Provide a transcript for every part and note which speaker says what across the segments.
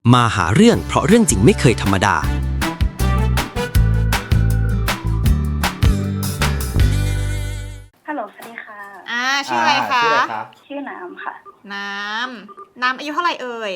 Speaker 1: มาหาเรื่องเพราะเรื่องจริงไม่เคยธรรมดา
Speaker 2: ฮัลโหลสวัสดีค่ะ
Speaker 3: ชื่ออะไรคะ
Speaker 2: ชื่อน้ำค่ะ
Speaker 3: น้ำอายุเท่าไหร่เอ่ย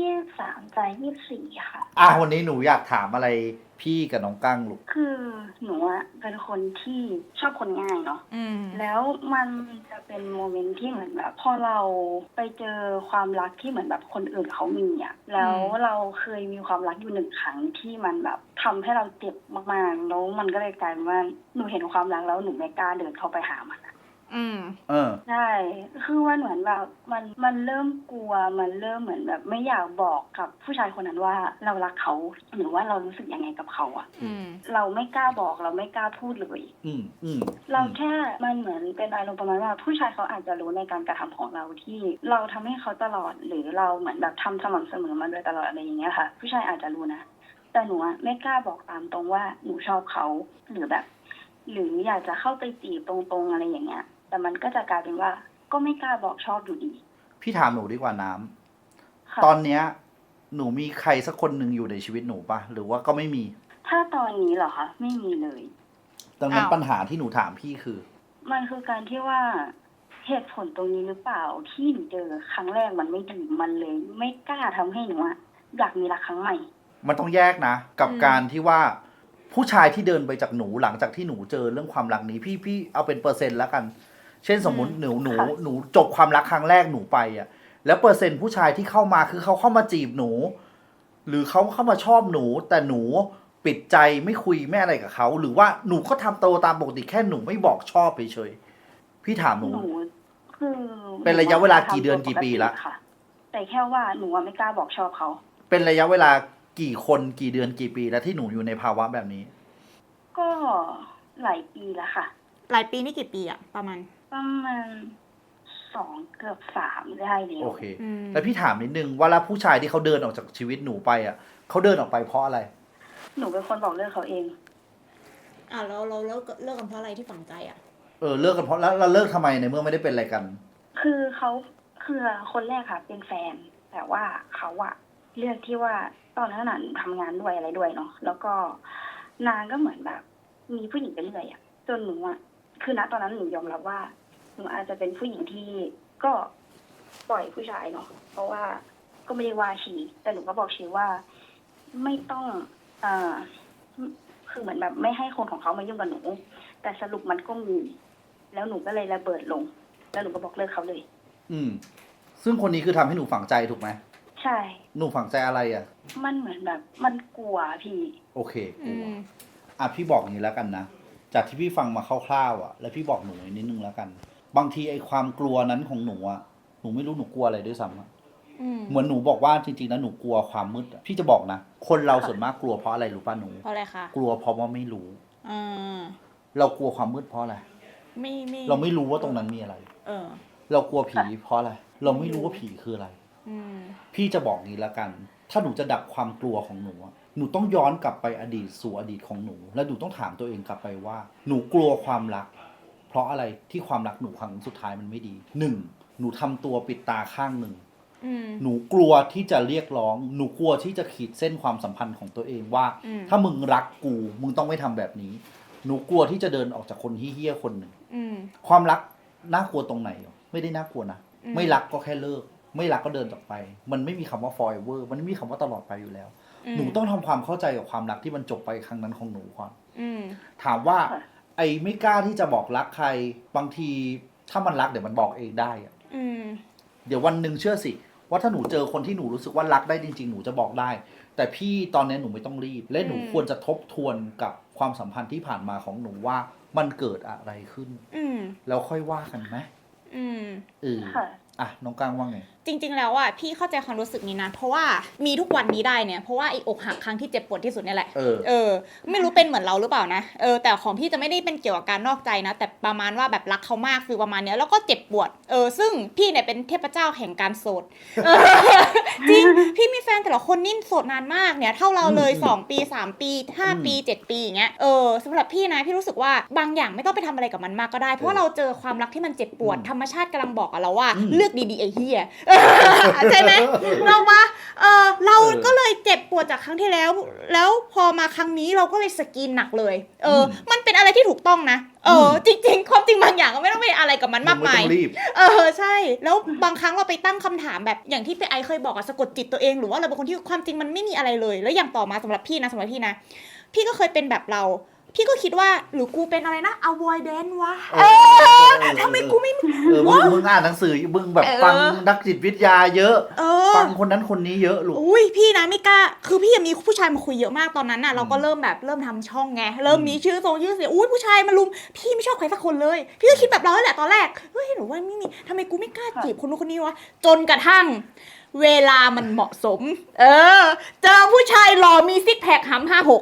Speaker 2: 23จะ24ค่ะ
Speaker 4: วันนี้หนูอยากถามอะไรพี่กับน้องกั้งลูก
Speaker 2: คือหนูอะเป็นคนที่ชอบคนง่ายเนาะแล้วมันจะเป็นโมเมนต์ที่เหมือนแบบพอเราไปเจอความรักที่เหมือนแบบคนอื่นเขามีอะแล้วเราเคยมีความรักอยู่1 ครั้งที่มันแบบทำให้เราเจ็บมากๆแล้วมันก็เลยกลายเป็นว่าหนูเห็นความรักแล้วหนูไม่กล้าเดินเข้าไปหามันใช่คือว่าเหมือนแบบมันเริ่มกลัวมันเริ่มเหมือนแบบไม่อยากบอกกับผู้ชายคนนั้นว่าเรารักเขาหรือว่าเรารู้สึกยังไงกับเขาอ่ะเราไม่กล้าบอกเราไม่กล้าพูดเลยเราแค่มันเหมือนเป็นอารมณ์ประมาณว่าผู้ชายเขาอาจจะรู้ในการกระทำของเราที่เราทำให้เขาตลอดหรือเราเหมือนแบบทำสม่ำเสมอมาโดยตลอดอะไรอย่างเงี้ยค่ะผู้ชายอาจจะรู้นะแต่หนูอะไม่กล้าบอกตามตรงว่าหนูชอบเขาหรือแบบหรืออยากจะเข้าไปจีบตรงๆอะไรอย่างเงี้ยแต่มันก็จะกลายเป็นว่าก็ไม่กล้าบอกชอบอยู่ดี
Speaker 4: พี่ถามหนูดีกว่าน้ำตอนเนี้ยหนูมีใครสักคนหนึ่งอยู่ในชีวิตหนูปะหรือว่าก็ไม่มี
Speaker 2: ถ้าตอนนี้เหรอคะไม่มีเลย
Speaker 4: ดังนั้นปัญหาที่หนูถามพี่คือ
Speaker 2: มันคือการที่ว่าเหตุผลตรงนี้หรือเปล่าที่หนูเจอครั้งแรกมันไม่ดีมันเลยไม่กล้าทำให้หนูอยากมีรักครั้งใหม่
Speaker 4: มันต้องแยกนะกับการที่ว่าผู้ชายที่เดินไปจากหนูหลังจากที่หนูเจอเรื่องความรักนี้พี่เอาเป็นเปอร์เซ็นต์แล้วกันเช่นสมมุติหนูจบความรักครั้งแรกหนูไปอ่ะแล้วเปอร์เซ็นต์ผู้ชายที่เข้ามาคือเขาเข้ามาจีบหนูหรือเขาเข้ามาชอบหนูแต่หนูปิดใจไม่คุยไม่อะไรกับเขาหรือว่าหนูก็ทำตัวตามปกติแค่หนูไม่บอกชอบเฉยๆพี่ถามหนู
Speaker 2: คือ
Speaker 4: เป็นระยะเวลากี่เดือนกี่ปีละ
Speaker 2: แต่แค่ว่าหนูไม่กล้าบอกชอบเขา
Speaker 4: เป็นระยะเวลากี่คนกี่เดือนกี่ปีแล้วที่หนูอยู่ในภาวะแบบนี้
Speaker 2: ก็หลายปีแล้วค่ะ
Speaker 3: หลายปีนี่กี่ปีอะประมาณ
Speaker 2: 2เกือบ3ได้เลย
Speaker 4: โอเคแล้วพี่ถามนิดนึงว่าแล้วผู้ชายที่เขาเดินออกจากชีวิตหนูไปอ่ะเขาเดินออกไปเพราะอะไร
Speaker 2: หนูเป็นคนบอกเลิกเขาเอง
Speaker 3: เราเลิกกันเพราะอะไรที่ฝังใจอ่ะ
Speaker 4: เลิกกันเพราะแล้วเราเลิกทำไมในเมื่อไม่ได้เป็นอะไรกัน
Speaker 2: คือเขาคือคนแรกค่ะเป็นแฟนแต่ว่าเขาอะเลือกที่ว่าตอนนั้นน่ะทำงานด้วยอะไรด้วยเนาะแล้วก็นางก็เหมือนแบบมีผู้หญิงไปเรื่อยอะจนหนูอะคือณตอนนั้นหนูยอมรับว่าหนูอาจจะเป็นผู้หญิงที่ก็ปล่อยผู้ชายเนาะเพราะว่าก็ไม่ได้ว่าชีแต่หนูก็บอกชีว่าไม่ต้องคือเหมือนแบบไม่ให้คนของเขามายุ่งกับหนูแต่สรุปมันก็มีแล้วหนูก็เลยระเบิดลงแล้วหนูก็บอกเลิกเขาเลย
Speaker 4: ซึ่งคนนี้คือทำให้หนูฝังใจถูกไหม
Speaker 2: ใช่
Speaker 4: หนูฝังใจอะไรอ่ะ
Speaker 2: มันเหมือนแบบมันกลัวพี่
Speaker 4: โอเคกลัวพี่บอกอย่างนี้แล้วกันนะจากที่พี่ฟังมาคร่าวๆแล้วพี่บอกหนูนิดนึงแล้วกันบางทีไอ้ความกลัวนั้นของหนูหนูไม่รู้หนูกลัวอะไรด้วยซ้ำเหมือนหนูบอกว่าจริงๆแล้วหนูกลัวความมืดพี่จะบอกนะคนเราส่วนมากกลัวเพราะอะไรรู้ป่ะหนู
Speaker 3: เพราะอะไรคะ
Speaker 4: กลัวเพราะว่าไม่รู้เรากลัวความมืดเพราะอะไรเราไม่รู้ว่าตรงนั้นมีอะไรเรากลัวผีเพราะอะไรเราไม่รู้ว่าผีคืออะไรพี่จะบอกนี้แล้วกันถ้าหนูจะดับความกลัวของหนูหนูต้องย้อนกลับไปอดีตสู่อดีตของหนูแล้วหนูต้องถามตัวเองกลับไปว่าหนูกลัวความรักเพราะอะไรที่ความรักหนูครั้งสุดท้ายมันไม่ดีหนูทำตัวปิดตาข้างหนึ่งหนูกลัวที่จะเรียกร้องหนูกลัวที่จะขีดเส้นความสัมพันธ์ของตัวเองว่าถ้ามึงรักกูมึงต้องไม่ทำแบบนี้หนูกลัวที่จะเดินออกจากคนเหี้ยๆคนหนึ่งความรักน่ากลัวตรงไหนไม่ได้น่ากลัวนะไม่รักก็แค่เลิกไม่รักก็เดินจากไปมันไม่มีคำว่า forever มันไม่มีคำว่าตลอดไปอยู่แล้วหนูต้องทำความเข้าใจกับความรักที่มันจบไปครั้งนั้นของหนูก่อนถามว่าไอ้ไม่กล้าที่จะบอกรักใครบางทีถ้ามันรักเดี๋ยวมันบอกเองได้อะเดี๋ยววันหนึ่งเชื่อสิว่าถ้าหนูเจอคนที่หนูรู้สึกว่ารักได้จริงๆหนูจะบอกได้แต่พี่ตอนนี้หนูไม่ต้องรีบและหนูควรจะทบทวนกับความสัมพันธ์ที่ผ่านมาของหนูว่ามันเกิดอะไรขึ้นแล้วค่อยว่ากันไหมน้องก้างว่าไง
Speaker 3: จริงๆแล้วพี่เข้าใจความรู้สึกนี้นะเพราะว่ามีทุกวันนี้ได้เนี่ยเพราะว่าไอ้อกหักครั้งที่เจ็บปวดที่สุดนี่แหละไม่รู้เป็นเหมือนเราหรือเปล่านะแต่ของพี่จะไม่ได้เป็นเกี่ยวกับการนอกใจนะแต่ประมาณว่าแบบรักเขามากคือประมาณเนี้ยแล้วก็เจ็บปวดซึ่งพี่เนี่ยเป็นเทพเจ้าแห่งการโสดจริงพี่มีแฟนแต่ละคนนิ่งโสดนานมากเนี่ยเท่าเราเลย2 ปี3 ปี5 ปี7 ปีอย่างเงี้ยสำหรับพี่นะพี่รู้สึกว่าบางอย่างไม่ต้องไปทำอะไรกับมันมากก็ได้เพราะว่าเราเจอความรักที่มันเจ็บปวดธรรมชาติกำลังบอกกับเราว่าเลือกดีๆไอ้เหี้ยใช่ไหมเราว่าเราก็เลยวจากครั้งที่แล้วพอมาครั้งนี้เราก็เลยสกรีนหนักเลยมันเป็นอะไรที่ถูกต้องนะจริงๆความจริงบางอย่างก็ไม่ต้องไปอะไรกับมันมากมายใช่แล้วบางครั้งเราไปตั้งคำถามแบบอย่างที่ไอเคยบอกสะกดจิตตัวเองหรือว่าเราเป็นคนที่ความจริงมันไม่มีอะไรเลยแล้วอย่างต่อมาสำหรับพี่นะพี่ก็เคยเป็นแบบเราพี่ก็คิดว่าหรือกูเป็นอะไรนะ avoidant วะทำไมกูไม่
Speaker 4: มึงอ่านหนังสือมึงแบบฟังนักจิตวิทยาเยอะฟังคนนั้นคนนี้เยอะลูก
Speaker 3: อุ้ยพี่นะไม่กล้าคือพี่มีผู้ชายมาคุยเยอะมากตอนนั้นน่ะเราก็เริ่มทำช่องไงเริ่มมีชื่อเสียงอุ้ยผู้ชายมาลุมพี่ไม่ชอบใครสักคนเลยพี่ก็คิดแบบเราแหละตอนแรกเฮ้ยหนูว่าไม่มีทำไมกูไม่กล้าจีบคนนู้นคนนี้วะจนกระทั่งเวลามันเหมาะสมเจอผู้ชายหล่อมีซิกแพคหำ56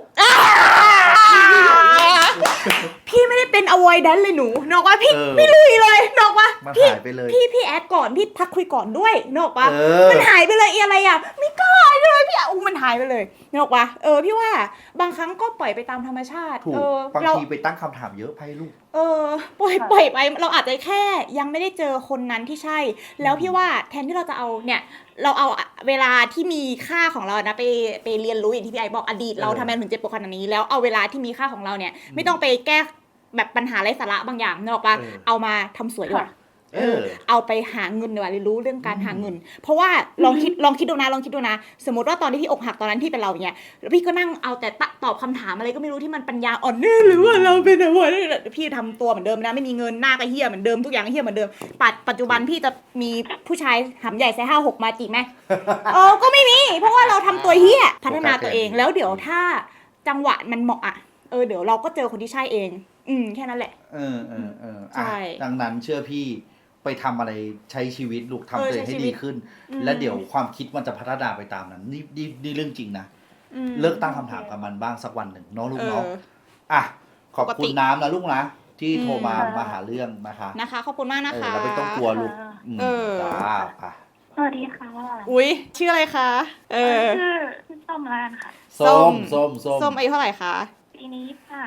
Speaker 3: พี่ไม่ได้เป็น avoidant เลยหนูนอกว่าพี่ไม่ลุยเลยนอกว่าพี่แอดก่อนพี่ทักคุยก่อนด้วยนอกว่ามันหายไปเลยอะไรอ่ะไม่กล้าเลยพี่มันหายไปเลยนอกว่าพี่ว่าบางครั้งก็ปล่อยไปตามธรรมชาติ
Speaker 4: บางทีไปตั้งคำถามเยอะไปลูก
Speaker 3: ปล่อยไปเราอาจจะแค่ยังไม่ได้เจอคนนั้นที่ใช่แล้วพี่ว่าแทนที่เราจะเอาเนี่ยเราเอาเวลาที่มีค่าของเรานะไปเรียนรู้อย่างที่พี่ไอบอกอดีตเราทำไมถึงเจ็บปวดขนาดนี้แล้วเอาเวลาที่มีค่าของเราเนี่ยไม่ต้องไปแก้แบบปัญหาไร้สาระบางอย่างนึกออกปะเอามาทำสวยดีกว่าเอาไปหาเงินดีกว่าเรียนรู้เรื่องการหาเงินเพราะว่าลองคิดดูนะสมมติว่าตอนที่พี่อกหักตอนนั้นพี่เป็นเราอย่างเงี้ยแล้วพี่ก็นั่งเอาแต่ตอบคำถามอะไรก็ไม่รู้ที่มันปัญญาอ่อนนี่หรือว่าเราเป็นอะไรพี่ทำตัวเหมือนเดิมนะไม่มีเงินหน้าก็เหี้ยเหมือนเดิมทุกอย่างก็เหี้ยเหมือนเดิมปัจจุบันพี่จะมีผู้ชายหำใหญ่ไซส์56มาจีบไหมก็ไม่มีเพราะว่าเราทำตัวเหี้ยพัฒนาตัวเองแล้วเดี๋ยวถ้าจังหวะมันเหมาะอ่ะเดี๋ยวเราก็เจอคนที่ใช่เองแค่นั้นแหละ
Speaker 4: ใช่ดังนั้นเชื่อพี่ไปทำอะไรใช้ชีวิตลูกทำตัวเองให้ดีขึ้นและเดี๋ยวความคิดมันจะพัฒนาไปตามนั้นนี่เรื่องจริงนะเลิกตั้งคำถามกับมันบ้างสักวันหนึ่งเนาะลูกเนาะขอบคุณน้ำนะลูกนะที่โทรมาหาเรื่อง
Speaker 3: นะคะขอบคุณมากนะคะ
Speaker 4: เราไม่ต้องกลัวลูกจ้า
Speaker 2: สวัสดีค่ะ
Speaker 3: อุ้ยชื่ออะไรคะ
Speaker 2: ชื่อส้มแล้วค่ะ
Speaker 3: ส้มอายุเท่าไหร่คะ
Speaker 2: ปีนี้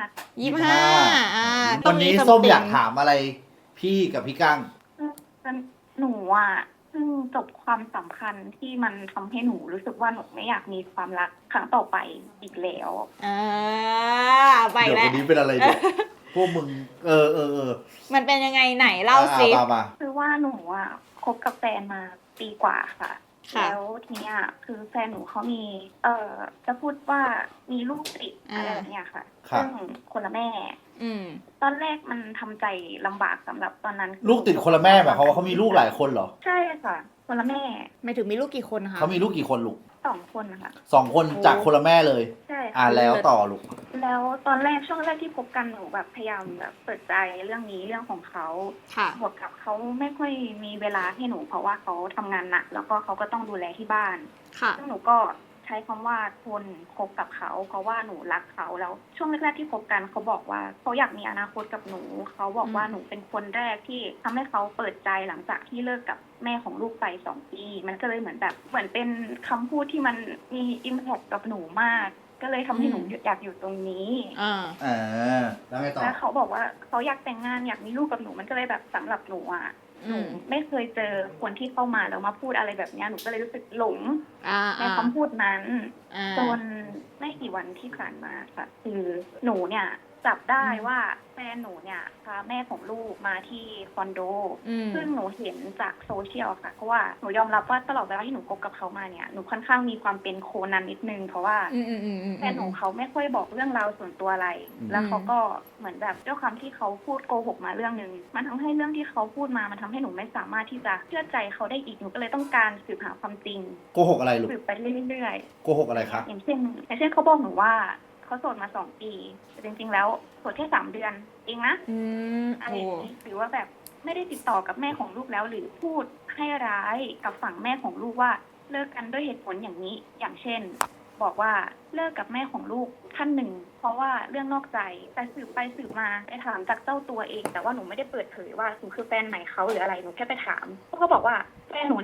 Speaker 3: 25
Speaker 4: วันนี้ส้มอยากถามอะไรพี่กับพี่กั้ง
Speaker 2: หนูเพิ่งจบความสัมพันธ์ที่มันทำให้หนูรู้สึกว่าหนูไม่อยากมีความรักครั้งต่อไปอีกแล้ว
Speaker 3: ไปแล้ว
Speaker 4: เดี๋ยววันนี้เป็นอะไรเนี่ยพวกมึง
Speaker 3: มันเป็นยังไงไหนเล่าสิ
Speaker 2: คือว่าหนูคบกับแฟนมาปีกว่าค่ะแล้วทีนี้คือแฟนหนูเขามีจะพูดว่ามีลูกติดอะไรแบบนี้ค่ะซึ่งคนละแม่ตอนแรกมันทำใจลำบากสำหรับตอนนั้น
Speaker 4: ลูกติดคนละแม่แบบเขามีลูกหลายคนเหรอ
Speaker 2: ใช่ค่ะคนละแม่
Speaker 3: ไม่ถึงมีลูกกี่คนคะ
Speaker 4: เขามีลูกกี่คนลูก
Speaker 2: 2 คนค่ะ
Speaker 4: 2 คนจากคนละแม่เลย
Speaker 2: ใช่
Speaker 4: แล้วต่อลูก
Speaker 2: แล้วตอนแรกช่วงแรกที่พบกันหนูแบบพยายามแบบเปิดใจเรื่องนี้เรื่องของเขาบวกกับเขาไม่ค่อยมีเวลาให้หนูเพราะว่าเขาทำงานหนักแล้วก็เขาก็ต้องดูแลที่บ้านซึ่งหนูก็ใช้คำว่าทนคบกับเขาเพราะว่าหนูรักเขาแล้วช่วงแรกๆที่คบกันเขาบอกว่าเขาอยากมีอนาคตกับหนูเขาบอกว่าหนูเป็นคนแรกที่ทำให้เขาเปิดใจหลังจากที่เลิกกับแม่ของลูกไป2 ปีมันก็เลยเหมือนเป็นคำพูดที่มันมีอิมแพคกับหนูมากก็เลยทำให้หนูอยากอยู่ตรงนี้
Speaker 4: แล้วไงต่อ
Speaker 2: แล้วเขาบอกว่าเขาอยากแต่งงานอยากมีลูกกับหนูมันก็เลยแบบสำหรับหนูหนูไม่เคยเจอคนที่เข้ามาแล้วมาพูดอะไรแบบนี้หนูก็เลยรู้สึกหลงในคำพูดนั้นจนไม่กี่วันที่ผ่านมาค่ะคือหนูเนี่ยจับได้ว่าแฟนหนูเนี่ยพาแม่ของลูกมาที่คอนโดซึ่งหนูเห็นจากโซเชียลค่ะเพราะว่าหนูยอมรับว่าตลอดเวลาที่หนูคบกับเขามาเนี่ยหนูค่อนข้างมีความเป็นโคนันนิดนึงเพราะว่าแฟนของเขาไม่ค่อยบอกเรื่องราวส่วนตัวอะไรแล้วเขาก็เหมือนแบบด้วยความที่เขาพูดโกหกมาเรื่องนึงมันทำให้เรื่องที่เขาพูดมามันทำให้หนูไม่สามารถที่จะเชื่อใจเขาได้อีกหนูก็เลยต้องการสืบหาความจริง
Speaker 4: โกหกอะไรลูก
Speaker 2: สืบไปเรื่อย
Speaker 4: ๆโกหกอะไรคะ
Speaker 2: อย่างเช่นเขาบอกหนูว่าเขาโสดมา2 ปีแต่จริงๆแล้วโสดแค่3 เดือนเองนะอะไรหรือว่าแบบไม่ได้ติดต่อกับแม่ของลูกแล้วหรือพูดให้ร้ายกับฝั่งแม่ของลูกว่าเลิกกันด้วยเหตุผลอย่างนี้อย่างเช่นบอกว่าเลิกกับแม่ของลูกท่านหนึ่งเพราะว่าเรื่องนอกใจแต่สืบไปสืบมาไปถามจากเจ้าตัวเองแต่ว่าหนูไม่ได้เปิดเผยว่าหนูคือแฟนใหม่เขาหรืออะไรหนูแค่ไปถามเขาบอกว่าแฟนหนูนี่แหละ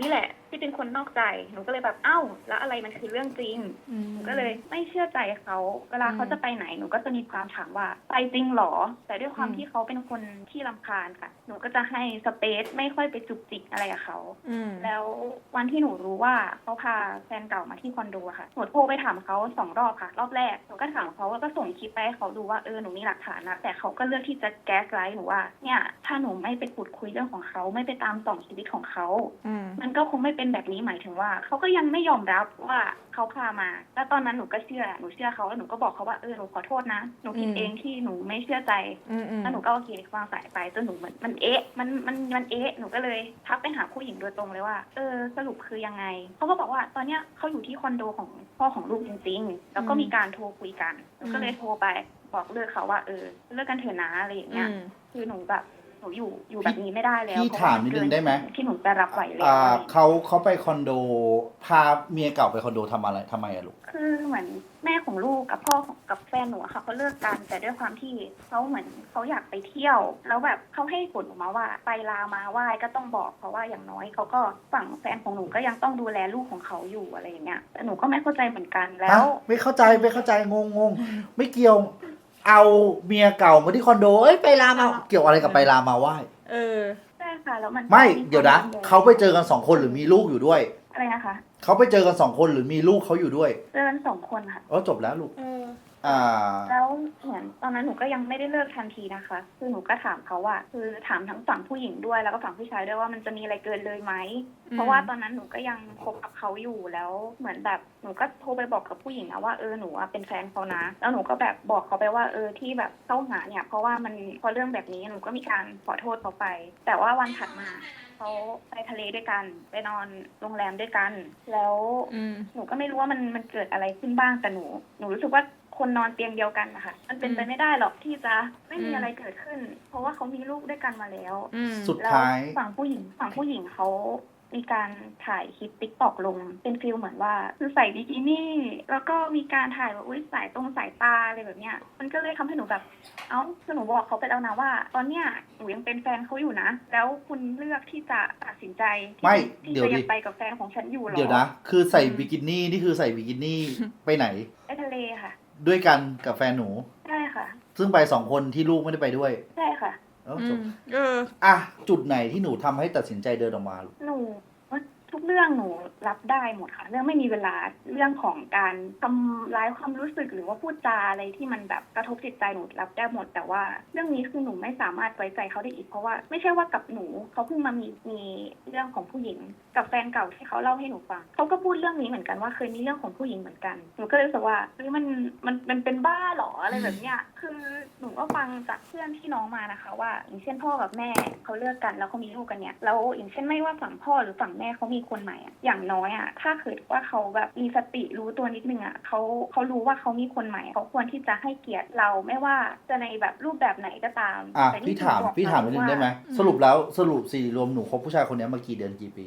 Speaker 2: ที่เป็นคนนอกใจหนูก็เลยแบบเอ้าแล้วอะไรมันคือเรื่องจริงหนูก็เลยไม่เชื่อใจเขาเวลาเขาจะไปไหนหนูก็จะมีความถามว่าไปจริงหรอแต่ด้วยความที่เขาเป็นคนที่รำคาญค่ะหนูก็จะให้สเปซไม่ค่อยไปจุกจิกอะไรกับเขาแล้ววันที่หนูรู้ว่าเขาพาแฟนเก่ามาที่คอนโดค่ะหนูโทรไปถามเขา2 รอบค่ะรอบแรกหนูก็ถามเขาว่าก็ส่งคลิปไปให้เขาดูว่าหนูมีหลักฐานนะแต่เขาก็เลือกที่จะแก๊สไลท์หนูว่าเนี่ยถ้าหนูไม่ไปขุดคุยเรื่องของเขาไม่ไปตามส่องชีวิตของเขามันก็คงไม่เป็นแบบนี้หมายถึงว่าเขาก็ยังไม่ยอมรับว่าเขาพามาแล้วตอนนั้นหนูก็เชื่อเขาแล้วหนูก็บอกเขาว่าหนูขอโทษนะหนูผิดเองที่หนูไม่เชื่อใจแล้วหนูก็โอเควางสายไปจนหนูมันหนูก็เลยทักไปหาผู้หญิงโดยตรงเลยว่าสรุปคือยังไงเขาก็บอกว่าตอนเนี้ยเขาอยู่ที่คอนโดของพ่อของลูกจริงๆแล้วก็มีการโทรคุยกันหนูก็เลยโทรไปบอกเลิกเขาว่าเลิกกันเถอะนะอะไรอย่างเงี้ยคือหนูแบบหนูอยู่แบบนี้ไม่ได้แล้ว
Speaker 4: พี่ถามนิดนึงได้ไหม
Speaker 2: ที่หนูจะรับไหวแล้ว
Speaker 4: เขาไปคอนโดพาเมียเก่าไปคอนโดทำไมอะลูก
Speaker 2: คือเหมือนแม่ของลูกกับพ่อกับแฟนหนูค่ะเขาเลิกกันแต่ด้วยความที่เขาเหมือนเขาอยากไปเที่ยวแล้วแบบเขาให้ผลออกมาว่าไปลามาไหว้ก็ต้องบอกเพราะว่าอย่างน้อยเขาก็ฝั่งแฟนของหนูก็ยังต้องดูแลลูกของเขาอยู่อะไรอย่างเงี้ยแต่หนูก็ไม่เข้าใจเหมือนกันแล้ว
Speaker 4: ไม่เข้าใจงงไม่เกี่ยวเอาเมียเก่ามาที่คอนโดไปลามาเกี่ยวอะไรกับไปลามาไหว้
Speaker 2: ใช่ค่ะแล้วมัน
Speaker 4: ไม่เดี๋ยวนะเขาไปเจอกัน2 คนหรือมีลูกอยู่ด้วย
Speaker 2: อะไรนะคะ
Speaker 4: เขาไปเจอกัน2 คนหรือมีลูกเขาอยู่ด้วย
Speaker 2: เจอกัน2 คนค่ะ
Speaker 4: จบแล้วลูก
Speaker 2: แล้วเหมือนตอนนั้นหนูก็ยังไม่ได้เลิกทันทีนะคะคือหนูก็ถามเขาว่าคือถามทั้งฝั่งผู้หญิงด้วยแล้วก็ฝั่งผู้ชายด้วยว่ามันจะมีอะไรเกินเลยไหมเพราะว่าตอนนั้นหนูก็ยังคบกับเขาอยู่แล้วเหมือนแบบหนูก็โทรไปบอกกับผู้หญิงนะว่าหนูเป็นแฟนเขานะแล้วหนูก็แบบบอกเขาไปว่าที่แบบเข้าหาเนี่ยเพราะว่ามันพอเรื่องแบบนี้หนูก็มีการขอโทษเขาไปแต่ว่าวันถัดมาเขาไปทะเลด้วยกันไปนอนโรงแรมด้วยกันแล้วหนูก็ไม่รู้ว่ามันเกิดอะไรขึ้นบ้างแต่หนูรู้สึกว่าคนนอนเตียงเดียวกันนะคะมันเป็นไปไม่ได้หรอกที่จะไม่มีอะไรเกิดขึ้นเพราะว่าเขามีลูกด้วยกันมาแล้ว
Speaker 4: สุดท้าย
Speaker 2: ฝั่งผู้หญิงเขามีการถ่ายคลิป TikTok ลงเป็นฟีลเหมือนว่าคือใส่บิกินี่แล้วก็มีการถ่ายว่าสายสายตาอะไรแบบเนี้ยมันก็เลยทำให้หนูแบบคือหนูบอกเขาไปแล้วนะว่าตอนเนี้ยหนูยังเป็นแฟนเขาอยู่นะแล้วคุณเลือกที่จะตัดสินใจที่จะยังไปกับแฟนของฉันอยู่หรอ
Speaker 4: เดี๋ยวนะคือใส่บิกินี่นี่คือใส่บิกินี่ไปไหน
Speaker 2: ไปทะเลค่ะ
Speaker 4: ด้วยกันกับแฟนหนู
Speaker 2: ใช่ค่ะ
Speaker 4: ซึ่งไป2 คนที่ลูกไม่ได้ไปด้วย
Speaker 2: ใช่ค่ะ
Speaker 4: จบจุดไหนที่หนูทำให้ตัดสินใจเดินออกมา
Speaker 2: หนูทุกเรื่องหนูรับได้หมดค่ะเรื่องไม่มีเวลาเรื่องของการทำร้ายความรู้สึกหรือว่าพูดจาอะไรที่มันแบบกระทบจิตใจหนูรับได้หมดแต่ว่าเรื่องนี้คือหนูไม่สามารถไว้ใจเขาได้อีกเพราะว่าไม่ใช่ว่ากับหนูเขาเพิ่งมามีเรื่องของผู้หญิงกับแฟนเก่าที่เขาเล่าให้หนูฟังเขาก็พูดเรื่องนี้เหมือนกันว่าเคยมีเรื่องของผู้หญิงเหมือนกันหนูก็เลยรู้สึกว่ามันเป็นบ้าหรออะไรแบบเนี้ยคือหนูก็ฟังจากเพื่อนที่น้องมานะคะว่าอย่างเช่นพ่อกับแม่เขาเลิกกันแล้วเขามีลูกกันเนี่ยแล้วอย่างเช่นไม่ว่าฝั่งพ่อหรือฝั่งแม่เขามีคนใหม่อย่างน้อยถ้าเกิดว่าเขาแบบมีสติรู้ตัวนิดนึงเขารู้ว่าเขามีคนใหม่เขาควรที่จะให้เกียรติเราไม่ว่าจะในแบบรูปแบบไหนก็ตาม
Speaker 4: แต่พี่ถามนิดนึงได้ไหมสรุปสิรวมหนูคบผู้ชายคนนี้มากี่เดือนกี่ปี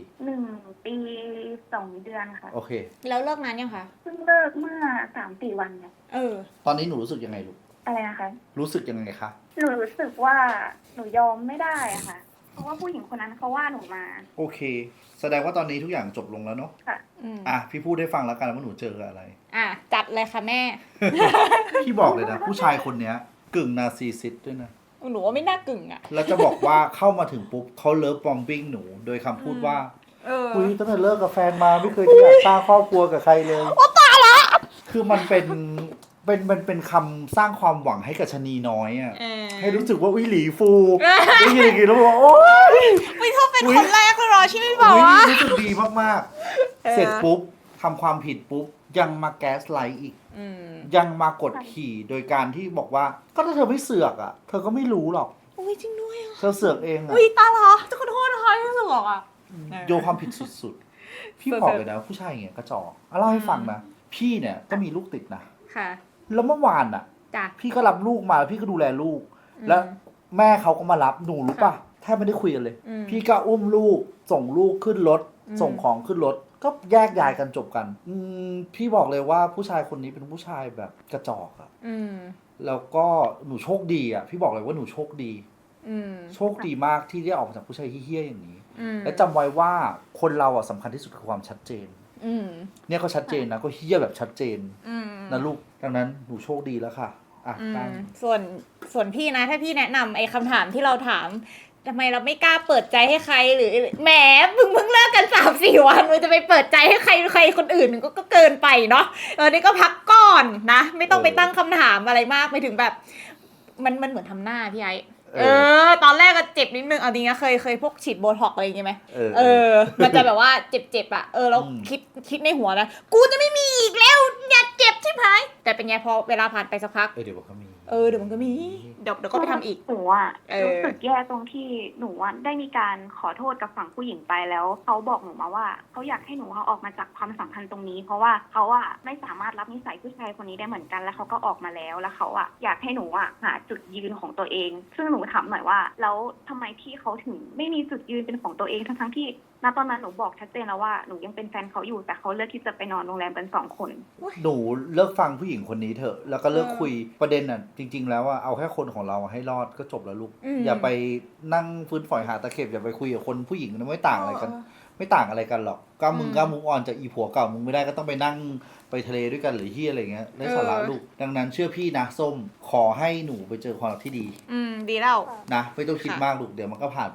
Speaker 2: 1 ปี2 เดือนค่ะ
Speaker 4: โอเค
Speaker 3: แล้วเลิกนานยังคะ
Speaker 2: เพิ่งเลิกเมื่อ 3-4 วันเนี่ย
Speaker 4: ตอนนี้หนูรู้สึกยังไงลูก
Speaker 2: อะไรนะคะ
Speaker 4: รู้สึกยังไงคะ
Speaker 2: หนูรู้สึกว่าหนูยอมไม่ได้อะค่ะเพราะว่าผู้หญิงคนนั้นเขาว่าหนูมา
Speaker 4: โอเคแสดงว่าตอนนี้ทุกอย่างจบลงแล้วเนาะ
Speaker 2: ค่ะ
Speaker 4: พี่พูดให้ฟังแล้วกันว่าหนูเจออะไร
Speaker 3: จัดเลยค่ะแม่
Speaker 4: พี่บอกเลยนะผู้ชายคนเนี้ยกึ่งนาร์ซิสซิสต์ด้วยนะ
Speaker 3: หนูว่าไม่น่ากึ่ง
Speaker 4: แล้วจะบอกว่าเข้ามาถึงปุ๊บเขาเลิฟบอมบิ้งหนูโดยคำพูดว่าคุยตั้งแต่เลิกกับแฟนมาไม่เคยที่อยากสร้างครอบครัวกับใครเลย
Speaker 3: โอ้ตายละ
Speaker 4: คือมันเป็นคำสร้างความหวังให้กับชะนีน้อยให้รู้สึกว่าหลีฟูได้ยินอย่างนี้แล้วบอกโอ๊ย
Speaker 3: ไม่ชอบเป็นคนแรกเลยหรอที่ไม่บอกว่า
Speaker 4: รู้สึกดีมากๆเสร็จปุ๊บทำความผิดปุ๊บยังมาแก๊สไลท์อีกยังมากดขี่โดยการที่บอกว่าก็ถ้าเธอไม่เสือกเธอก็ไม่รู้หรอก
Speaker 3: อุ้ยจริงด้วย
Speaker 4: เธอเสือกเอง
Speaker 3: อุ้ยตาเหรอจะขอโทษนะคะที่เสือก
Speaker 4: โยนความผิดสุดๆพี่บอกเลยนะผู้ชายอย่างเงี้ยกระจอกเล่าให้ฟังนะพี่เนี่ยก็มีลูกติดนะ
Speaker 3: ค่ะ
Speaker 4: แล้วเมื่อวานพี่ก็รับลูกมาพี่ก็ดูแลลูกแล้วแม่เขาก็มารับหนูรู้ป่ะแทบไม่ได้คุยกันเลยพี่ก็อุ้มลูกส่งลูกขึ้นรถส่งของขึ้นรถก็แยกย้ายกันจบกันพี่บอกเลยว่าผู้ชายคนนี้เป็นผู้ชายแบบกระจอกแล้วก็หนูโชคดีพี่บอกเลยว่าหนูโชคดีโชคดีมากที่ได้ออกมาจากผู้ชายเฮี้ยๆอย่างนี้และจำไว้ว่าคนเราอ่ะสำคัญที่สุดคือความชัดเจนเนี่ยก็ชัดเจนนะก็เฮี้ยแบบชัดเจนนะลูกดังนั้นหนูโชคดีแล้วค่ะ
Speaker 3: ส่วนพี่นะถ้าพี่แนะนำไอ้คำถามที่เราถามทำไมเราไม่กล้าเปิดใจให้ใครหรือแหมเพิ่งเลิกกัน 3-4 วันมึงจะไปเปิดใจให้ใครคนอื่นก็เกินไปเนาะนี่ก็พักก่อนนะไม่ต้องไปตั้งคำถามอะไรมากไปถึงแบบมันเหมือนทำหน้าพี่ไอ้ตอนแรกก็เจ็บนิดนึงเอาจริงนะเคยพวกฉีดโบท็อกอะไรอย่างเงี้ยไหมมันจะแบบว่าเจ็บอ่ะเราคิดในหัวนะกูจะไม่มีอีกแล้วอย่าเจ็บใช่ไหมแต่เป็นไงพอเวลาผ่านไปสักพัก
Speaker 4: เดี๋ยวมันก็มี
Speaker 3: เดี๋ยวมันก็มีเดี๋ยวก็ไปทำอีก
Speaker 5: หนูอ่ะรู้สึกแย่ตรงที่หนูได้มีการขอโทษกับฝั่งผู้หญิงไปแล้วเขาบอกหนูมาว่าเขาอยากให้หนูออกมาจากความสัมพันธ์ตรงนี้เพราะว่าเขาอ่ะไม่สามารถรับนิสัยผู้ชายคนนี้ได้เหมือนกันแล้วเขาก็ออกมาแล้วเขาอ่ะอยากให้หนูอ่ะหาจุดยืนของตัวเองซึ่งหนูถามหน่อยว่าแล้วทำไมพี่เขาถึงไม่มีจุดยืนเป็นของตัวเองทั้งที่ณตอนนั้นหนูบอกชัดเจนแล้วว่าหนูยังเป็นแฟนเขาอยู่แต่เขาเลือกที่จะไปนอนโรงแรมกัน2 คน
Speaker 4: หนูเลิกฟังผู้หญิงคนนี้เถอะแล้วก็เลิกคุยประเด็นน่ะจริงๆแล้วว่าเอาแค่คนของเราให้รอดก็จบแล้วลูกอย่าไปนั่งฟื้นฝอยหาตะเข็บอย่าไปคุยกับคนผู้หญิงนะไม่ต่างอะไรกันหรอกก้ามุงอ่อนจากอีผัวเก่ามึงไม่ได้ก็ต้องไปนั่งไปทะเลด้วยกันหรือที่อะไรเงี้ยไร้สาระลูกดังนั้นเชื่อพี่นะส้มขอให้หนูไปเจอความรักที่ดี
Speaker 3: ดีแล้ว
Speaker 4: นะไม่ต้องคิดมากลูกเดี๋ยวมันก็ผ่าน